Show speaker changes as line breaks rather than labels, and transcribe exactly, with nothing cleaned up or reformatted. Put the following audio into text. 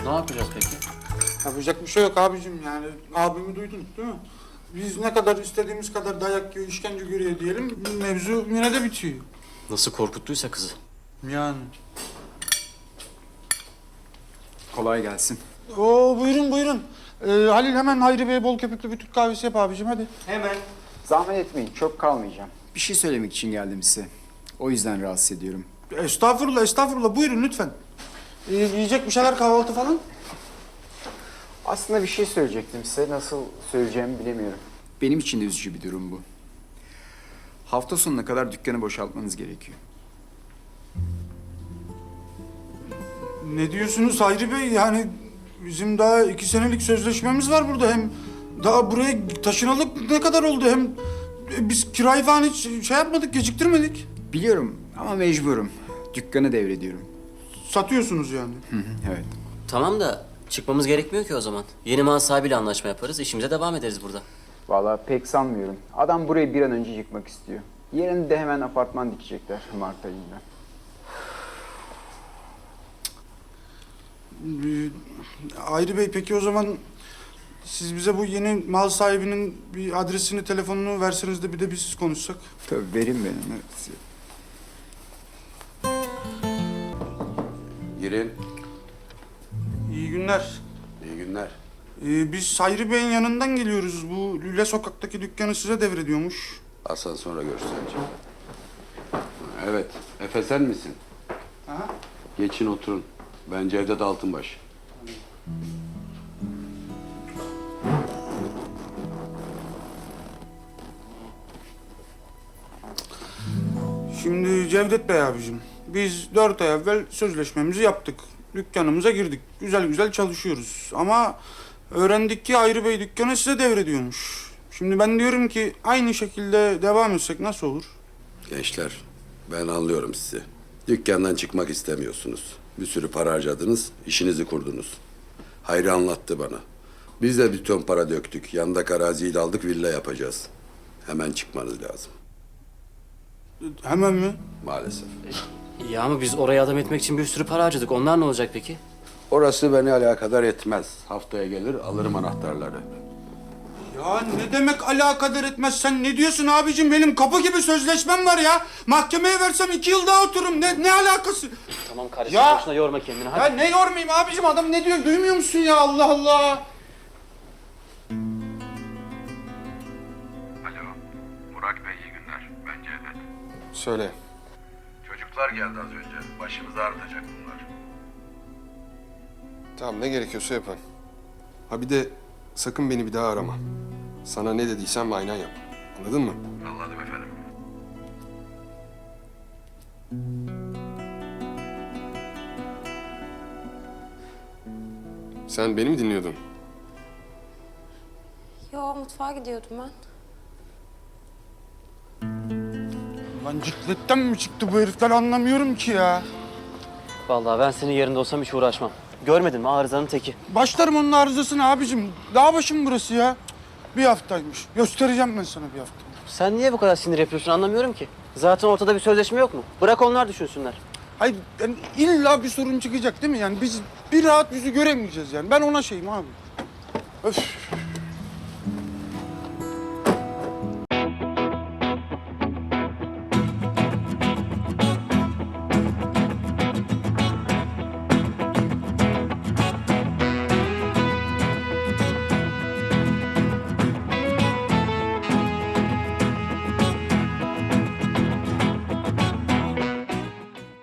Ne yapacağız peki?
Yapacak bir şey yok abicim yani. Abimi duydun değil mi? Biz ne kadar istediğimiz kadar dayak yiyor, işkence görüyor diyelim. Mevzu yine de bitiyor.
Nasıl korkuttuysa kızı.
Yani.
Kolay gelsin.
Oo buyurun buyurun. Ee, Halil hemen Hayri Bey'e bol köpüklü bir Türk kahvesi yap abicim hadi.
Hemen. Zahmet etmeyin, çok kalmayacağım. Bir şey söylemek için geldim size. O yüzden rahatsız ediyorum.
Estağfurullah estağfurullah buyurun lütfen. Ee, yiyecek bir şeyler kahvaltı falan.
Aslında bir şey söyleyecektim size. Nasıl söyleyeceğimi bilemiyorum. Benim için de üzücü bir durum bu. Hafta sonuna kadar dükkanı boşaltmanız gerekiyor.
Ne diyorsunuz Hayri Bey? Yani bizim daha iki senelik sözleşmemiz var burada. Hem daha buraya taşınalı ne kadar oldu? Hem e, biz kirayı falan hiç şey yapmadık, geciktirmedik.
Biliyorum ama mecburum. Dükkanı devrediyorum.
Satıyorsunuz yani.
Hı hı, evet.
Tamam da çıkmamız gerekmiyor ki o zaman. Yeni mal sahibiyle anlaşma yaparız, işimize devam ederiz burada.
Vallahi pek sanmıyorum. Adam burayı bir an önce yıkmak istiyor. Yerine de hemen apartman dikecekler Mart ayında.
Ee, Hayri Bey peki o zaman siz bize bu yeni mal sahibinin bir adresini, telefonunu verseniz de bir de biz konuşsak.
Tabii verin benim. Evet.
Girin.
İyi günler.
İyi günler.
Ee, biz Hayri Bey'in yanından geliyoruz. Bu Lüle Sokak'taki dükkanı size devrediyormuş.
Asansöre göstereceğim. Evet. Efe sen misin?
Aha.
Geçin oturun. Ben Cevdet Altınbaş.
Şimdi Cevdet Bey abicim, biz dört ay evvel sözleşmemizi yaptık. Dükkanımıza girdik. Güzel güzel çalışıyoruz. Ama öğrendik ki Hayri Bey dükkanı size devrediyormuş. Şimdi ben diyorum ki aynı şekilde devam etsek nasıl olur?
Gençler, ben anlıyorum sizi. Dükkandan çıkmak istemiyorsunuz. Bir sürü para harcadınız, işinizi kurdunuz. Hayri anlattı bana. Biz de bir ton para döktük. Yandaki araziyi de aldık, villa yapacağız. Hemen çıkmanız lazım.
Hemen mi?
Maalesef.
Ya ama biz oraya adam etmek için bir sürü para harcadık. Onlar ne olacak peki?
Orası beni alakadar etmez. Haftaya gelir, alırım anahtarları.
Ya ne demek alakadar etmez? Sen ne diyorsun abicim? Benim kapı gibi sözleşmem var ya. Mahkemeye versem iki yıl daha otururum. Ne, ne alakası?
Tamam kardeşim,
Ya!
boşuna yorma kendini. Hadi.
Ya ne yormayayım abicim? Adam ne diyor? Duymuyor musun ya? Allah Allah.
Alo, Burak Bey iyi günler. Ben Cevdet.
Söyle.
Çocuklar geldi az önce. Başımızı ağrıtacak bunlar.
Tamam ne gerekiyorsa yapın. Ha bir de sakın beni bir daha arama. Sana ne dediysem aynen yap. Anladın mı?
Anladım efendim.
Sen beni mi dinliyordun?
Yo, mutfağa gidiyordum ben.
Lan cikletten mi çıktı bu herifler anlamıyorum ki ya.
Vallahi ben senin yerinde olsam hiç uğraşmam. Görmedin mi arızanın teki?
Başlarım onun arızasını abicim. Dağ başım burası ya. Bir haftaymış. Göstereceğim ben sana bir hafta.
Sen niye bu kadar sinir yapıyorsun anlamıyorum ki. Zaten ortada bir sözleşme yok mu? Bırak onlar düşünsünler.
Hayır yani illa bir sorun çıkacak değil mi? Yani biz bir rahat yüzü göremeyeceğiz yani. Ben ona şeyim abi. Öf.